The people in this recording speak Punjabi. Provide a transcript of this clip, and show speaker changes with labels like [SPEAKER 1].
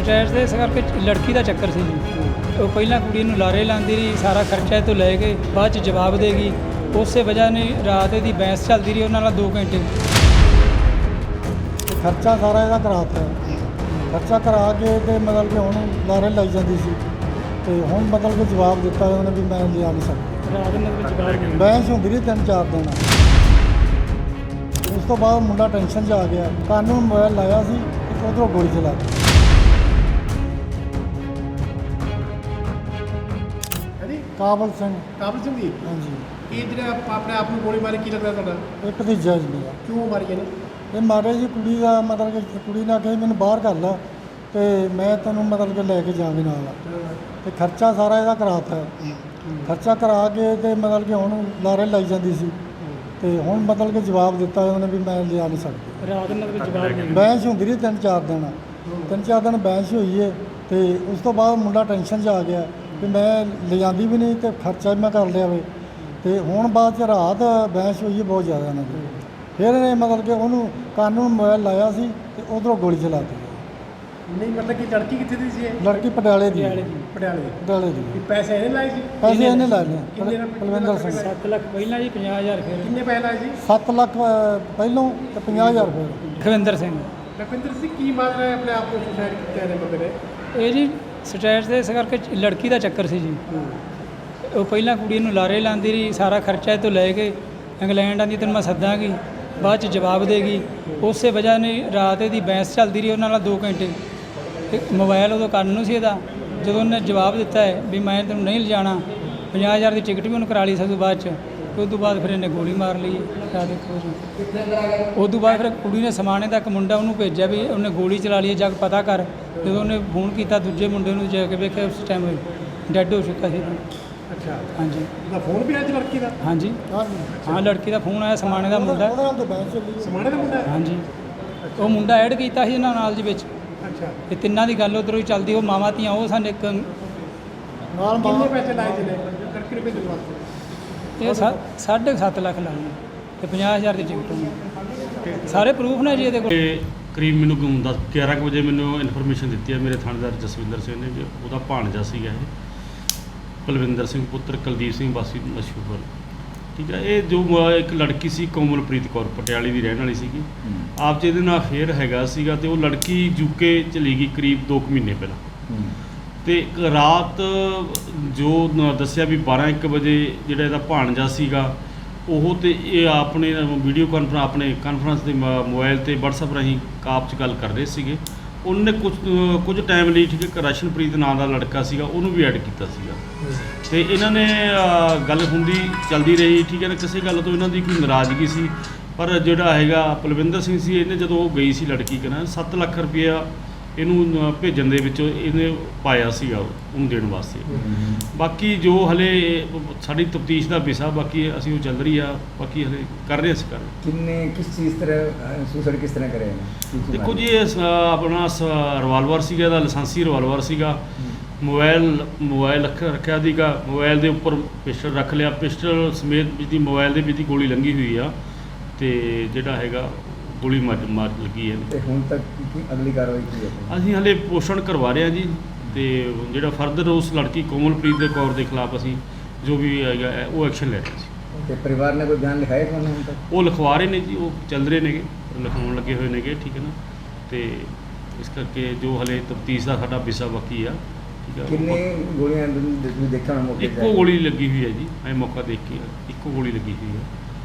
[SPEAKER 1] ਸਟੈਟ ਦੇ ਇਸ ਕਰਕੇ ਲੜਕੀ ਦਾ ਚੱਕਰ ਸੀ ਜੀ। ਉਹ ਪਹਿਲਾਂ ਕੁੜੀ ਨੂੰ ਲਾਰੇ ਲਾਉਂਦੀ ਰਹੀ, ਸਾਰਾ ਖਰਚਾ ਇਹ ਤੋਂ ਲੈ ਕੇ ਬਾਅਦ ਚ ਜਵਾਬ ਦੇਗੀ। ਉਸੇ ਵਜ੍ਹਾ ਨੇ ਰਾਤ ਇਹਦੀ ਬਹਿਸ ਚੱਲਦੀ ਰਹੀ ਉਹਨਾਂ ਨਾਲ 2 ਘੰਟੇ।
[SPEAKER 2] ਖਰਚਾ ਸਾਰਾ ਇਹਦਾ ਕਰਾਤਾ, ਖਰਚਾ ਕਰਾ ਕੇ ਤੇ ਮਤਲਬ ਕਿ ਹੁਣ ਲਾਰੇ ਲਾਈ ਜਾਂਦੀ ਸੀ ਤੇ ਹੁਣ ਮਤਲਬ ਕਿ ਜਵਾਬ ਦਿੱਤਾ ਉਹਨੇ ਵੀ ਮੈਂ ਲਿਆ ਨਹੀਂ ਸਕਦਾ।
[SPEAKER 1] ਰਾਤ ਨੂੰ ਜਵਾਬ
[SPEAKER 2] ਬਹਿਸ ਹੁੰਦੀ ਰਹੀ 3-4 ਦਿਨ। ਉਸ ਤੋਂ ਬਾਅਦ ਮੁੰਡਾ ਟੈਨਸ਼ਨ 'ਚ ਆ ਗਿਆ, ਕਾਨੂੰ ਮੋਬਾਈਲ ਲਾਇਆ ਸੀ ਤੇ ਉਧਰੋਂ ਗੋਲੀ ਚਲਾ ਦਿੱਤੀ। ਕਾਬਲ ਸਿੰਘ
[SPEAKER 3] ਜੀ
[SPEAKER 2] ਹਾਂਜੀ,
[SPEAKER 3] ਇਹ ਜਿਹੜਾ ਆਪਣੇ ਆਪ ਨੂੰ ਗੋਲੀ ਮਾਰੀ ਕੀ ਲੱਗਦਾ ਤੁਹਾਡਾ?
[SPEAKER 2] ਇਹ ਭਤੀਜਾ ਜੀ ਮੇਰਾ।
[SPEAKER 3] ਕਿਉਂ ਮਾਰੀ ਇਹਨੇ?
[SPEAKER 2] ਇਹ ਮਾਰੇ ਜੀ ਕੁੜੀ ਦਾ ਮਤਲਬ ਕਿ ਕੁੜੀ ਨੇ ਆਖਿਆ ਮੈਨੂੰ ਬਾਹਰ ਕਰ ਲਾ ਤੇ ਮੈਂ ਤੈਨੂੰ ਮਤਲਬ ਕਿ ਲੈ ਕੇ ਜਾਵਾਂਗੀ ਨਾਲ, ਤੇ ਖਰਚਾ ਸਾਰਾ ਇਹਦਾ ਕਰਾਤਾ। ਖਰਚਾ ਕਰਾ ਕੇ ਤੇ ਮਤਲਬ ਕਿ ਹੁਣ ਲਾਰੇ ਲਾਈ ਜਾਂਦੀ ਸੀ ਤੇ ਹੁਣ ਮਤਲਬ ਕਿ ਜਵਾਬ ਦਿੱਤਾ ਉਹਨੇ ਵੀ ਮੈਂ ਲਿਆ ਨਹੀਂ ਸਕਦਾ।
[SPEAKER 1] ਰਾਤ ਨੂੰ ਜਵਾਬ
[SPEAKER 2] ਬਹਿਸ ਹੁੰਦੀ ਰਹੀ 3-4 ਦਿਨ। 3-4 ਦਿਨ ਬਹਿਸ ਹੋਈ ਹੈ ਤੇ ਉਸ ਤੋਂ ਬਾਅਦ ਮੁੰਡਾ ਟੈਨਸ਼ਨ 'ਚ ਆ ਗਿਆ ਵੀ ਮੈਂ ਲਿਜਾਂਦੀ ਵੀ ਨਹੀਂ ਤੇ ਖਰਚਾ ਵੀ ਮੈਂ ਕਰ ਲਿਆ ਵੇ। ਤੇ ਹੁਣ ਬਾਅਦ 'ਚ ਰਾਤ ਬਹਿਸ ਹੋਈ ਹੈ ਬਹੁਤ ਜ਼ਿਆਦਾ ਇਹਨਾਂ ਦੀ। ਫਿਰ ਇਹਨੇ ਮਤਲਬ ਕਿ ਉਹਨੂੰ ਕਾਨੂੰ ਮੋਬਾਈਲ ਲਾਇਆ ਸੀ ਤੇ ਉਧਰੋਂ ਗੋਲੀ ਚਲਾ ਦਿੱਤੀ।
[SPEAKER 3] ਨਹੀਂ ਮਤਲਬ ਕਿ ਲੜਕੀ ਕਿੱਥੇ ਦੀ ਸੀ ਇਹ?
[SPEAKER 2] ਲੜਕੀ ਪਟਿਆਲੇ ਦੀ।
[SPEAKER 3] ਪਟਿਆਲੇ
[SPEAKER 2] ਦੀ
[SPEAKER 3] ਕੀ ਪੈਸੇ ਇਹਨੇ ਲਾਏ ਸੀ?
[SPEAKER 2] ਪੈਸੇ ਇਹਨੇ ਲਾ ਲਏ।
[SPEAKER 3] ਕਿੰਨੇ ਨਾਲ?
[SPEAKER 2] ਕੁਲਵਿੰਦਰ ਸਿੰਘ
[SPEAKER 1] 7 ਲੱਖ ਪਹਿਲਾਂ ਜੀ, 50,000 ਫਿਰ
[SPEAKER 3] ਕਿੰਨੇ ਪੈਸੇ ਲਾਏ ਸੀ?
[SPEAKER 2] 7 ਲੱਖ ਪਹਿਲੋਂ ਤੇ 50,000 ਫਿਰ।
[SPEAKER 1] ਖਵਿੰਦਰ ਸਿੰਘ।
[SPEAKER 3] ਲਖਵਿੰਦਰ ਸਿੰਘ ਕੀ ਮਾਰ ਰਿਹਾ ਆਪਣੇ ਆਪ ਨੂੰ ਸੁਸਾਇਡ ਕੀਤਾ ਇਹਨੇ ਬੰਦੇ ਨੇ?
[SPEAKER 1] ਇਹ ਜੀ ਸਟੈਟ ਦੇ ਇਸ ਕਰਕੇ ਲੜਕੀ ਦਾ ਚੱਕਰ ਸੀ ਜੀ। ਉਹ ਪਹਿਲਾਂ ਕੁੜੀ ਨੂੰ ਲਾਰੇ ਲਾਉਂਦੀ ਰਹੀ, ਸਾਰਾ ਖਰਚਾ ਇਹ ਤੋਂ ਲੈ ਕੇ ਇੰਗਲੈਂਡ ਆਂਦੀ ਤੈਨੂੰ ਮੈਂ ਸੱਦਾਂਗੀ, ਬਾਅਦ ਚ ਜਵਾਬ ਦੇਗੀ। ਉਸੇ ਵਜ੍ਹਾ ਨੇ ਰਾਤ ਇਹਦੀ ਬਹਿਸ ਚੱਲਦੀ ਰਹੀ ਉਹਨਾਂ ਨਾਲ 2 ਘੰਟੇ। ਤੇ ਮੋਬਾਈਲ ਉਦੋਂ ਕੰਨ ਨੂੰ ਸੀ ਇਹਦਾ। ਜਦੋਂ ਉਹਨੇ ਜਵਾਬ ਦਿੱਤਾ ਹੈ ਵੀ ਮੈਂ ਤੈਨੂੰ ਨਹੀਂ ਲਿਜਾਣਾ, 50,000 ਦੀ ਟਿਕਟ ਵੀ ਉਹਨੂੰ ਕਰਾ ਲਈ ਸੀ ਉਦੋਂ ਬਾਅਦ ਚ। ਤੇ ਉਸ ਤੋਂ ਬਾਅਦ ਫਿਰ ਇਹਨੇ ਗੋਲੀ ਮਾਰ ਲਈ। ਆ ਦੇਖੋ ਜੀ, ਉਸ ਤੋਂ ਬਾਅਦ ਫਿਰ ਕੁੜੀ ਨੇ ਸਮਾਣੇ ਦਾ ਇੱਕ ਮੁੰਡਾ ਉਹਨੂੰ ਭੇਜਿਆ ਵੀ ਉਹਨੇ ਗੋਲੀ ਚਲਾ ਲਈ, ਜਾ ਕੇ ਪਤਾ ਕਰ। ਜਦੋਂ ਉਹਨੇ ਫੋਨ ਕੀਤਾ ਦੂਜੇ ਮੁੰਡੇ ਨੂੰ, ਜਾ ਕੇ ਵੇਖਿਆ ਉਸ ਟਾਈਮ ਡੈੱਡ ਹੋ ਚੁੱਕਾ ਸੀ।
[SPEAKER 3] ਅੱਛਾ,
[SPEAKER 1] ਹਾਂਜੀ।
[SPEAKER 3] ਉਹਦਾ ਫੋਨ ਵੀ ਆਇਆ ਸੀ ਲੜਕੀ ਦਾ?
[SPEAKER 1] ਹਾਂਜੀ ਹਾਂ, ਲੜਕੀ ਦਾ ਫੋਨ ਆਇਆ, ਸਮਾਣੇ ਦਾ ਮੁੰਡਾ।
[SPEAKER 2] ਉਹਦੇ ਨਾਲ ਤਾਂ ਬਹਿਸ ਚੱਲੀ।
[SPEAKER 3] ਸਮਾਣੇ ਦਾ ਮੁੰਡਾ?
[SPEAKER 1] ਹਾਂਜੀ, ਉਹ ਮੁੰਡਾ ਐਡ ਕੀਤਾ ਸੀ ਇਹਨਾਂ ਨਾਲ ਜੀ ਵਿੱਚ।
[SPEAKER 3] ਅੱਛਾ,
[SPEAKER 1] ਤੇ ਤਿੰਨਾਂ ਦੀ ਗੱਲ ਉੱਧਰੋਂ ਹੀ ਚੱਲਦੀ। ਉਹ ਮਾਵਾਂ ਧੀਆਂ ਉਹ ਸਾਨੂੰ ਇੱਕ
[SPEAKER 2] ਨਾਲ
[SPEAKER 3] ਕਿੰਨੇ ਪੈਸੇ ਲਾਏ ਜਿਹਨੇ ਲੜਕੀ ਨੂੰ ਭੇਜਣ ਵਾਸਤੇ?
[SPEAKER 1] ਇਹ 7.5 ਲੱਖ ਲਾਏ ਤੇ 50,000 ਦੀ ਟਿਕਟ ਹੋਣੀ। ਸਾਰੇ ਪ੍ਰੂਫ ਨੇ ਜੀ ਇਹਦੇ ਕੋਲ।
[SPEAKER 4] ਇਹ ਕਰੀਬ ਮੈਨੂੰ 11 ਕੁ ਵਜੇ ਮੈਨੂੰ ਇਨਫੋਰਮੇਸ਼ਨ ਦਿੱਤੀ ਹੈ ਮੇਰੇ ਥਾਣੇਦਾਰ ਜਸਵਿੰਦਰ ਸਿੰਘ ਨੇ ਕਿ ਉਹਦਾ ਭਾਣਜਾ ਸੀਗਾ ਇਹ ਕੁਲਵਿੰਦਰ ਸਿੰਘ ਪੁੱਤਰ ਕੁਲਦੀਪ ਸਿੰਘ ਵਾਸੀ ਮਸ਼ਹੂਰ। ਠੀਕ ਹੈ, ਇਹ ਜੋ ਇੱਕ ਲੜਕੀ ਸੀ ਕੋਮਲਪ੍ਰੀਤ ਕੌਰ ਪਟਿਆਲੇ ਦੀ ਰਹਿਣ ਵਾਲੀ ਸੀਗੀ। ਆਪ 'ਚ ਇਹਦੇ ਨਾਲ ਅਫੇਅਰ ਹੈਗਾ ਸੀਗਾ ਤੇ ਉਹ ਲੜਕੀ ਯੂਕੇ ਚਲੀ ਗਈ ਕਰੀਬ 2 ਮਹੀਨੇ ਪਹਿਲਾਂ। ਤੇ ਰਾਤ ਜੋ ਦੱਸਿਆ ਵੀ 12-1 ਵਜੇ ਜਿਹੜਾ ਇਹਦਾ ਭਾਣਜਾ ਸੀਗਾ ਉਹ ਤੇ ਇਹ ਆਪਣੇ ਵੀਡੀਓ ਕਾਨਫਰੰਸ ਆਪਣੇ ਕਾਨਫਰੰਸ ਦੇ ਮੋਬਾਈਲ ਤੇ WhatsApp ਰਾਹੀਂ ਕਾਪ 'ਚ ਗੱਲ ਕਰ ਰਹੇ ਸੀਗੇ। ਉਹਨੇ ਕੁਝ ਟਾਈਮ ਲਈ ਠੀਕ ਹੈ ਰਸ਼ਨਪ੍ਰੀਤ ਨਾਂ ਦਾ ਲੜਕਾ ਸੀਗਾ ਉਹਨੂੰ ਵੀ ਐਡ ਕੀਤਾ ਸੀਗਾ। ਤੇ ਇਹਨਾਂ ਨੇ ਗੱਲ ਹੁੰਦੀ ਚੱਲਦੀ ਰਹੀ। ਠੀਕ ਹੈ ਨਾ, ਕਿਸੇ ਗੱਲ ਤੋਂ ਇਹਨਾਂ ਦੀ ਕੋਈ ਨਾਰਾਜ਼ਗੀ ਸੀ। ਪਰ ਜਿਹੜਾ ਹੈਗਾ ਪਲਵਿੰਦਰ ਸਿੰਘ ਸੀ, ਇਹਨੇ ਜਦੋਂ ਉਹ ਗਈ ਸੀ ਲੜਕੀ ਕਹਿੰਦਾ 7 ਲੱਖ ਰੁਪਇਆ ਇਹਨੂੰ ਭੇਜਣ ਦੇ ਵਿੱਚ ਇਹਨੇ ਪਾਇਆ ਸੀਗਾ ਉਹਨੂੰ ਦੇਣ ਵਾਸਤੇ। ਬਾਕੀ ਜੋ ਹਲੇ ਸਾਡੀ ਤਫਤੀਸ਼ ਦਾ ਵਿਸ਼ਾ, ਬਾਕੀ ਅਸੀਂ ਉਹ ਚੱਲ ਰਹੀ ਆ, ਬਾਕੀ ਹਲੇ ਕਰ ਰਹੇ ਅਸੀਂ ਕਰ
[SPEAKER 5] ਕਿੰਨੇ ਕਿਸ ਚੀਜ਼ ਤਰ੍ਹਾਂ ਸੁਸਾਈਡ ਕਿਸ ਤਰ੍ਹਾਂ ਕਰਿਆ ਇਹਨੇ?
[SPEAKER 4] ਦੇਖੋ ਜੀ, ਇਹ ਆਪਣਾ ਰਿਵਾਲਵਰ ਸੀਗਾ, ਇਹਦਾ ਲਾਇਸੈਂਸੀ ਰਿਵਾਲਵਰ ਸੀਗਾ। ਮੋਬਾਈਲ ਰੱਖਿਆ ਸੀਗਾ, ਮੋਬਾਈਲ ਦੇ ਉੱਪਰ ਪਿਸਟਲ ਰੱਖ ਲਿਆ, ਪਿਸਟਲ ਸਮੇਤ ਜਿਹਦੀ ਮੋਬਾਈਲ ਦੇ ਵਿੱਚ ਦੀ ਗੋਲੀ ਲੰਘੀ ਹੋਈ ਆ ਤੇ ਜਿਹੜਾ ਹੈਗਾ ਗੋਲੀ ਮਾਰ ਲੱਗੀ ਹੈ।
[SPEAKER 5] ਤੇ ਹੁਣ ਤੱਕ ਕੀ ਅਗਲੀ ਕਾਰਵਾਈ ਕੀ ਹੈ?
[SPEAKER 4] ਅਸੀਂ ਹਲੇ ਪੋਸ਼ਣ ਕਰਵਾ ਰਹੇ ਹਾਂ ਜੀ। ਤੇ ਜਿਹੜਾ ਫਰਦਰ ਉਸ ਲੜਕੀ ਕੋਮਲਪ੍ਰੀਤ ਕੌਰ ਦੇ ਖਿਲਾਫ ਅਸੀਂ ਜੋ ਵੀ ਹੈਗਾ ਉਹ ਐਕਸ਼ਨ ਲੈ ਰਹੇ ਸੀ।
[SPEAKER 5] ਤੇ ਪਰਿਵਾਰ ਨੇ ਕੋਈ ਬਿਆਨ ਲਿਖਾਇਆ ਤੁਹਾਨੂੰ ਹੁਣ ਤੱਕ?
[SPEAKER 4] ਉਹ ਲਿਖਵਾ ਰਹੇ ਨੇ ਜੀ, ਉਹ ਚੱਲ ਰਹੇ ਨੇਗੇ, ਲਿਖਾਉਣ ਲੱਗੇ ਹੋਏ ਨੇਗੇ। ਠੀਕ ਹੈ ਨਾ, ਤੇ ਇਸ ਕਰਕੇ ਜੋ ਹਲੇ ਤਫਤੀਸ਼ ਦਾ ਸਾਡਾ ਵਿਸ਼ਾ ਬਾਕੀ ਆ। ਠੀਕ ਹੈ,
[SPEAKER 5] ਕਿੰਨੇ ਗੋਲੀਆਂ ਤੁਸੀਂ ਦੇਖਿਆ ਹੋਣਾ ਮੌਕੇ ਤੇ?
[SPEAKER 4] ਇੱਕੋ ਗੋਲੀ ਲੱਗੀ ਹੋਈ ਹੈ ਜੀ। ਐ ਮੌਕਾ ਦੇਖ ਕੇ ਇੱਕੋ ਗੋਲੀ ਲੱਗੀ ਹੋਈ ਹੈ।